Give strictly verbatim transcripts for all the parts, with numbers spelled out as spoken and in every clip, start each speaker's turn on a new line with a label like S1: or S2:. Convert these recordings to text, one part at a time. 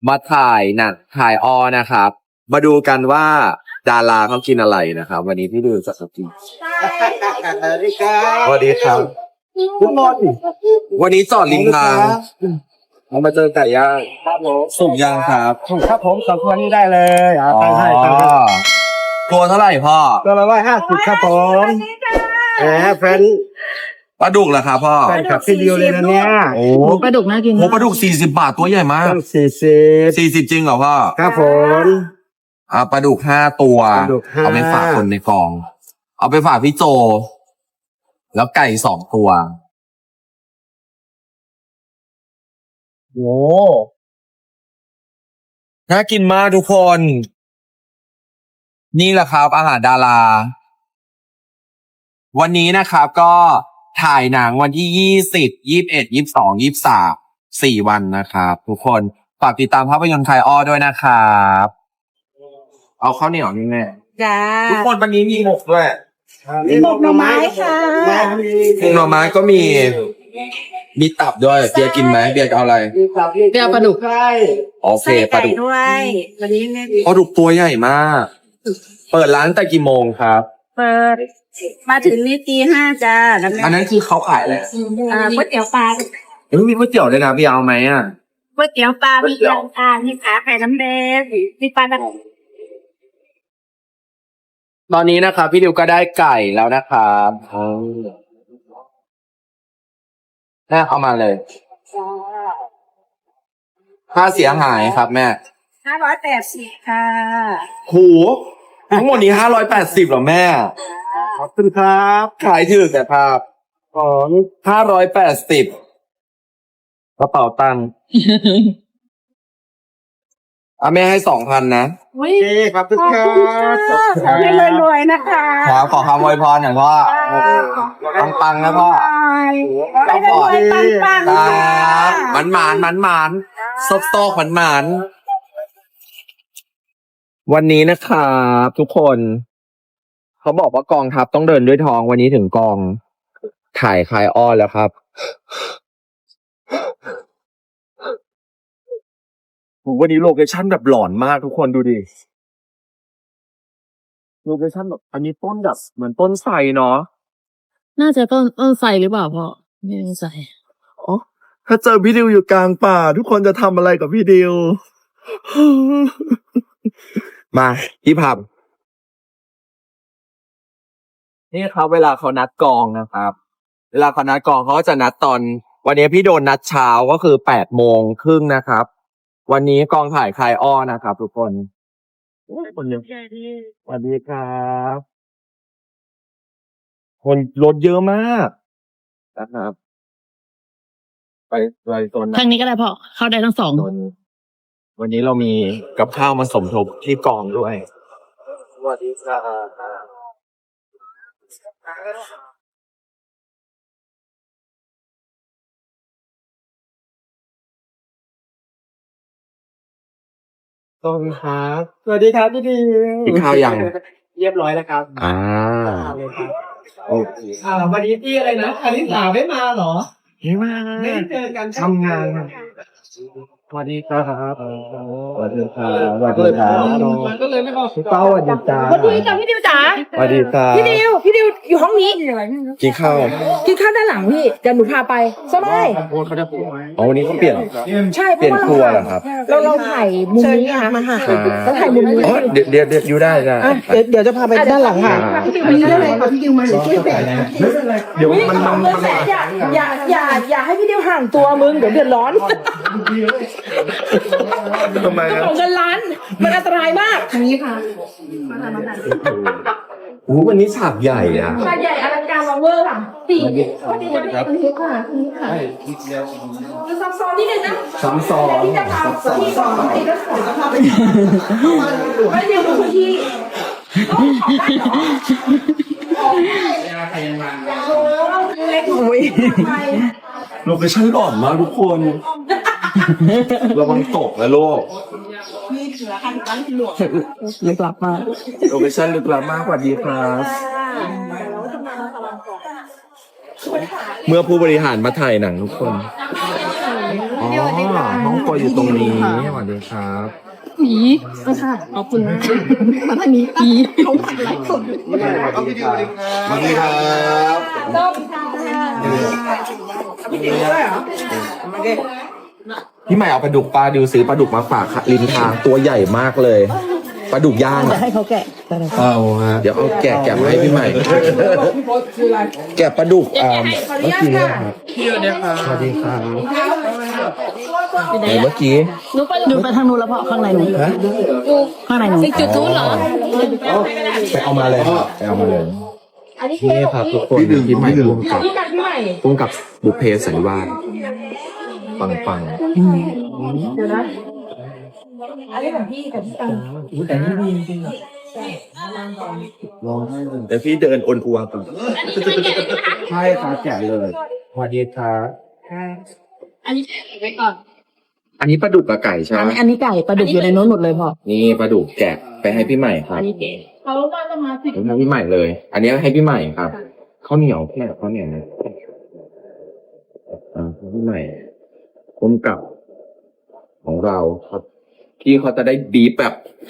S1: มาถ่ายหนังถ่ายออนะครับ มาดูกันว่าดาราเขากินอะไรนะครับ วันนี้พี่ดูสักกิน
S2: สวัสดีครับ
S1: สวัสดีครับ
S2: ทุกคน
S1: วันนี้จอดริมทางเรามาเจอไก่ย่าง
S2: ครับผม
S1: สุกย่างครับ
S2: ครับผมสองตัวนี้ได้เลยอ่าตั้งให้ตั้งให้
S1: ตัวเท่าไหร่พ่อ
S2: ตัวละร้อยห้าสิบครับผมแหมแฟน
S1: ปลาดุกเหรอครับพ่อ
S2: แฟนขับพี่ดิวเลยนะเนี่ย
S1: โอ้
S3: หมูปลาดุกน่ากิน
S1: โหปลาดุกสี่สิบบาทตัวใหญ่มาก
S2: ต้องสี่สิบ
S1: สี่สิบจริงเหรอพ่อ
S2: ครับผม
S1: อ่าปลาดุกห้าตัว
S2: ปลาดุกห้า
S1: เอาไปฝากคนในกอง เอาไปฝากพี่โจ แล้วไก่สองตัวโอ้น่ากินมากทุกคน นี่แหละครับอาหารดารา วันนี้นะครับก็ถ่ายหนังวันที่ยี่สิบ ยี่สิบเอ็ด ยี่สิบสอง ยี่สิบสาม สี่วันนะครับทุกคนฝากติดตามภาพยนตร์ไทยอ้อด้วยนะครับ เอาข้าวเหนียวนี่แน่
S3: จ้า
S1: ทุกคนวันนี้มีหมกด้วย
S3: มีหมกหน่อไม้ค่ะ
S2: ห
S1: หมกหน่อไม้ก็มี มีตับด้วย เบียร์กินไหมเบียร์เอาอะไร
S3: เดี๋ยวปลาดุก
S2: ใช่
S1: โอเคปลาดุก
S3: ด้วยวันนี้เนี่ย
S1: ปลาดุกตัวใหญ่มาก เปิดร้านแต่กี่โมงครับ
S3: เปิดมาถึงนี่ตีห้าจ้าแล้ว
S1: อันนั้นคือเขาขายอะไร
S3: อ่าก๋วยเตี๋ยวปลา
S1: เฮ้ยมีก๋วยเตี๋ยวด้วยนะเบียร์เอาไหมอ่ะ
S3: ก๋วยเตี๋ยวปลามียำอ่ามีขาไข่น้ำแดงมีปลาดัก
S1: ตอนนี้นะครับพี่ดิวก็ได้ไก่แล้วนะครับแม่เอามาเลย ค่าเสียหายครับแม่
S3: ห้าร้อยแปดสิบค่ะ
S1: โหทั้งหมดนี้ห้าร้อยแปดสิบเหรอแม่
S2: ขอบคุณครับ
S1: ขายถือแต่ภาพของห้าร้อยแปดสิบกระเป๋าตังค์อ่ะแม่ให้สองพันนะ
S3: อุ้ย
S2: โอเคขอบคุณ
S3: ขอบ
S2: ครั
S3: คุณค่ะ
S2: บ
S3: ให้รวยๆนะคะ
S1: ครับขอคำอวยพรหน่อยพ่อปังปังๆนะพ่อ
S3: ให้รวยๆปังๆ
S1: ค
S3: ค่ะ
S1: รับมันหมานมันหมานซอกซอกมันหมานวันนี้นะครับทุกคน เขาบอกว่ากองทัพต้องเดินด้วยท้องวันนี้ถึงกองถ่ายคลายอ้อนแล้วครับวันนี้โลเคชั่นแบบหลอนมากทุกคนดูดิโลเคชั่นแบบอันนี้ต้นแบบเหมือนต้นไทรเนาะ
S3: น่าจะต้นต้นไทรหรือเปล่าพ่อไม่แน่ใจ
S1: อ๋อถ้าเจอพี่ดิวอยู่กลางป่า ทุกคนจะทำอะไรกับพี่ดิว มาพี่พับนี่ครับเวลาเขานัดกองนะครับ เวลาเขานัดกองเขาก็จะนัดตอน วันนี้พี่โดนนัดเช้าก็คือแปดโมงครึ่งนะครับ วันนี้กองถ่ายคลายอ้อนะครับ ทุกคนโอ้ยคนเยอะสวัสดีครับ คนรถเยอะมากนะครับ ไปไปโซนไหน
S3: ทางนี้ก็ได้พ่อเข้าได้ทั้งสอง
S1: วันวันนี้เรามีกับข้าวมาสมทบที่กองด้วย สวัสดีครับต้นครับ
S2: สวัสดีครับพี่ดิว
S1: กินข้าวยัง
S2: เรียบร้อยแล้วครับ
S1: อ่า
S2: เลยครับ
S1: โอเค
S2: อ่าวันนี้พี่อะไรนะคาริสาไม่มาเหรอ
S1: ไม่มา
S2: ไม่ได้เจอกัน
S1: ทำงานครับ
S2: สวัสดีครับ
S1: สวัสดีครับสวัสดีครับ
S2: มันก็เลยไม่บอกพี่เป้าสวัสดีจ้า
S3: สวัสดีจ้ะพี่ดิวจ๋า
S1: สวัสดีครับ
S3: พี่ดิวพี่ดิวอยู่ห้องนี้
S1: กินข้าว
S3: กินข้าวด้านหลังพี่เดี๋ยวหนูพาไปสบาย
S2: เขาจะพูดไหม
S1: อ๋อวันนี้เขาเปลี่ยน
S3: ใช่
S1: เปลี่ยนครัวเหรอครับ
S3: เราเราถ่ายมุมนี้ค่ะเราถ่ายมุมนี้
S1: อ๋อเดี๋ยวเดี๋ยวเดี๋ยวอยู่ได้ได้
S2: เดี๋ยวเดี๋ยวจะพาไปด้านหลังค่ะ
S3: พี่ดิวไปได้เลยค่ะพี่ดิวมาหรือช่วยแฝง
S1: เดี๋ยวมันมันมัน
S3: อย่าอย่าอย่าอย่าให้พี่ดิวห่างตัวมึงเดี๋ยวเดือดร้อน
S1: ทำไมครับ
S3: ของเงินล้านมันอันตรายมากทางนี้ค่ะ
S1: โอ้วันนี้ฉากใหญ่อะ
S3: ชาใหญ่อลังการวังเวอร์ค่ะสี่สวัสดีค่ะคุณทิพย์ค่ะคุณทิพย์ค่ะซับซ้อนนิดนึงนะ
S1: ซ้ำซ้อน
S3: ที่จะพาที่สองที่จะสอนไม่เดียวดูพื้นที่โอ้ย
S1: โลเคชั่นหลอนมากทุกคนระวังตกนะโลก
S3: ลึกลับมาก
S1: โลเคชั่นลึกลับมากกว่าดีครับเมื่อผู้บริหารมาถ่ายหนังทุกคนอ๋อห้ององครัวอยู่ตรงนี้สวัสดีครับ
S3: ผีค่ะขอบคุณมากมาทางนี้ผีเขาไลฟ์สดอยู่
S2: สวัสดีครับสวัสดีครับ
S3: ต้มค่ะพี่ติ๋วด้วยเหรอ
S1: พี่ใหม่เอาปลาดุกปลาดิวซื้อปลาดุกมาฝากค่ะริมทางตัวใหญ่มากเลยปลาดุกย่าง
S3: จะ
S1: อะ
S3: ให้เขาแกะ
S2: เอาฮะ
S1: เดี๋ยวเอาแกะแกะมาให้พี่ใหม่
S3: พี่โพสคืออะไร
S1: แกะปลาดุกอ่า
S3: ขออนุญาตค่ะ
S1: สวัสดีครับไหนเมื่อกี้
S3: หนูไปหนูไปทางนู้นแล้วเพราะข้างในหนูข้างในหนูจุดนู้นเหรอ
S1: ไปเอามาเลยครับไปเอามาเลย
S3: อันนี้
S1: นี่ครับทุกคนพี่ใหม่ร่วมกับ
S3: พี่กันพี่ใหม่
S1: ร่วมกับบุพเพสันนิวาสปังปัง
S3: เดี๋ยวนะอันนี้ของพี่กับพี่ตัง
S1: แต่นี่ดีจริงๆลองให้เดี๋ยวพี่เดินอนอัวก่อนใช่ครับแกะเลยสวัสดีครับ
S3: อันนี้ไว้ก่อน
S1: อันนี้ปลาดุกกับไก่ใช่ไห
S3: อัน
S1: ม
S3: นี้อันนี้ไก่ปลาดุกอยู่ในโน้นหมดเลยพ่อ
S1: นี่ปลาดุกแกะไปให้พี่ใหม่ครับ
S3: อันนี้เก๋เขามาจะมาสิ
S1: ให้พี่ใหม่เลย อันนี้ให้พี่ใหม่ครับข้าวเหนียวแค่ข้าวเหนียวนะอ่าพี่ใหม่ก้มกับของเราครับพี่เขาจะได้บีบแบบ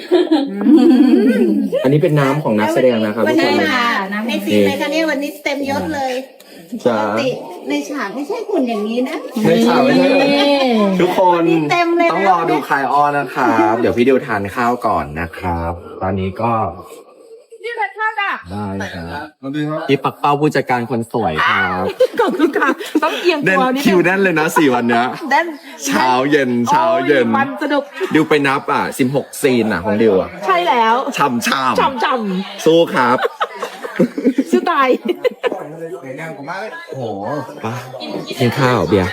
S1: อันนี้เป็นน้ำของนักแสดงนะครับ
S4: วัน
S1: ทุกค
S4: นี้
S1: น
S4: มาในซีนเลยค่ะเนี่ยวันนี้เต็มยศเลยป
S1: จ้าก
S4: ติในฉากไม่ใช่คุณอย่างนี้นะ
S1: ไม่ใช่ไม่ใช่ทุกคน
S4: นี่เต็มเลยนะ
S1: ต้องรอดูคลายอ้อนะครับ เดี๋ยวพี่ดิวทานข้าวก่อนนะครับ ตอนนี้ก็
S3: นี่แหละค่ะจ้ะ
S1: ได้ครับ
S2: สวัสดีครับ
S1: พี่ปักเป้าผู้จัดการคนสวยครับ
S3: ขอบคุณค่ะต้องเอียง
S1: เด่น
S3: ตัวนิด
S1: คิว
S3: นึง
S1: แน่นเลยนะสี่วันเนี้ย
S3: เด่น
S1: เช้าเย็นเช้าเย็น
S3: โอ้มันสนุก
S1: ดิวไปนับอ่ะสิบหกซีนอ่ะของดิวอ่ะ
S3: ใช่แล้ว
S1: ช่ำช่
S3: ช่ำช่
S1: ำสู้ครับ
S3: ำชื่อตาย
S1: โอ้โหไปกินข้าวเบียร์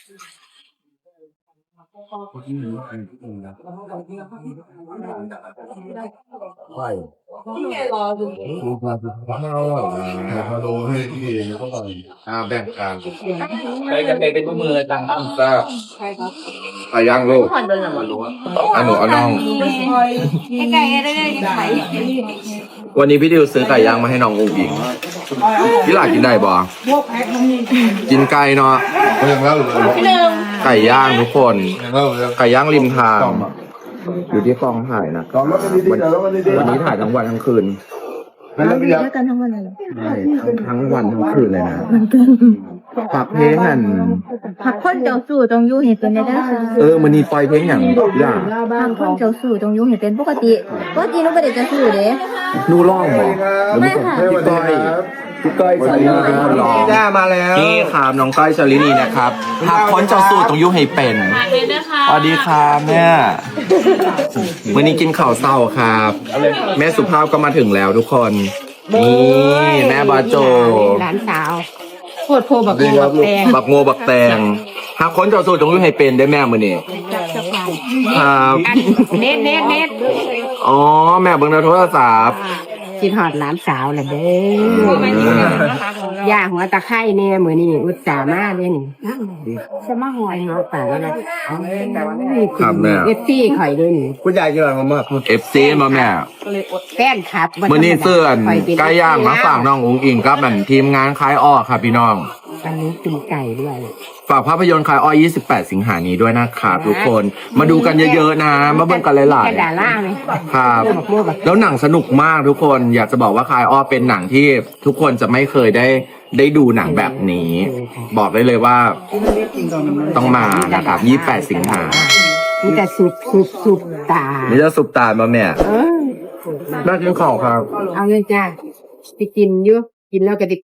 S3: นี่ไงรอดู
S2: มาอร่อยนะมาดูให้พี่เองก็อร่อยอ่าแบ่งกัน
S5: ไปกันไปเป็นมือต่างกัน
S1: จ้า
S3: ใช่ครับ
S1: ไปย่างลูก
S3: ผ่อนเดินหรอ
S1: อ่ะหนูเอาน้อง
S4: ไก่ได้เลยไก่
S1: วันนี้พี่ดิวซื้อไก่ย่างมาให้น้องอุ้งอิงพี่หลากินได้บ่กินไก่เนาะ
S2: เรื่องแล้วหรือ
S3: พี่หนึ่ง
S1: ไก่ย่างทุกคน
S2: เรื่องแล้ว
S1: ไก่ย่างริมทางอยู่ที่กองถ่ายนะ
S2: ลองรถกันดีๆเดี๋ยวรถกันดีๆ
S1: วันนี้ถ่ายทั้งวันทั้งคืน
S2: เป็นระเบียบ
S3: กันทั้งวันเลย
S1: ใช่ทั้งทั้งวันทั้งคืนเลยนะฝากเพลงอัน
S6: ผักคนเจ้าสู่ตรงอยู่เห็นเป็นได้ด้ค่ะ
S1: เออมันนี่ปล่อยเพลงอย่างอย่าง
S6: ผักคนเจ้าสู่ตรงอยู่เห็นเป็นปกติปกติหนูไม่ได้เจะสู่เด้
S1: นูร้องบ่หรือ
S6: ไม่
S1: ไม่
S6: ค่ะ
S1: พี่ก้อยพี่ก้อยชาลินีเป็นคนร้อง
S2: จ้ามาแล้ว
S1: นี่ครับน้องก้อยชาลินีนะครับหากคนเจ้าสู้ต้องยุ่ให้เป็นสวัสดีครับแม่วันนี้กินข้าวเศร้าครับ แม่สุภาพก็มาถึงแล้วทุกคน นี่แม่บาโจ
S4: หลานสาวโคตรโพบัก
S2: ดี
S4: โม
S2: ครับ
S4: บัก
S2: ลูก
S4: แตง
S1: บักโงบักแตงหากคนเจ้าสู้ต้องยุ่ให้เป็นได้แม่มือนี่ครับ
S4: เน็ตเน็ตเน็ต
S1: อ๋อแม่เบิ่งในโทรศัพท์
S4: กินหอดหลานสาวแหละเด้อย่าหัวตะไคร้เนี่ยมือนี่อุตส่าห์มาเลยนี่จะมาหอยเงาป่าแล้วนะ
S1: ครับแม่
S4: เอฟซี่ข่อยด้วยนี่
S2: คุณยายกินอะไรมามาก
S1: เอฟซีมาแม่
S4: แฟนครับ
S1: มื่อนี้เสื้อน
S4: ข่ยเป็น
S1: ไก่ย่างมาฝากน้องอุ๋งอิงกับนั่นทีมงานคลายอ้อครับพี่น้อง
S4: อันนี้กินไก่ด้วย
S1: ฝากภาพยนตร์คลายอ้อยี่สิบแปด สิงหานี้ด้วยนะครับทุกคน มาดูกันเยอะๆนะ มาเบิ่งกันหลาย
S4: แค่ดาล่าไหม
S1: ๆครับ
S4: บักโมบัก
S1: แล้วหนังสนุกมากทุกคน อยากจะบอกว่าคลายอ้อเป็นหนังที่ทุกคนจะไม่เคยได้ได้ดูหนังแบบนี้ บอกได้เลยว่าต้องมานะครับยี่สิบแปด สิงหา
S4: มีแต่สุบสุบสุบตา
S1: นี่จะสุปตามาแม่
S4: เออ
S1: น่ากินของครับ
S4: เอาเงินจ้าไปกินอยู่กินแล้วก็ไดิ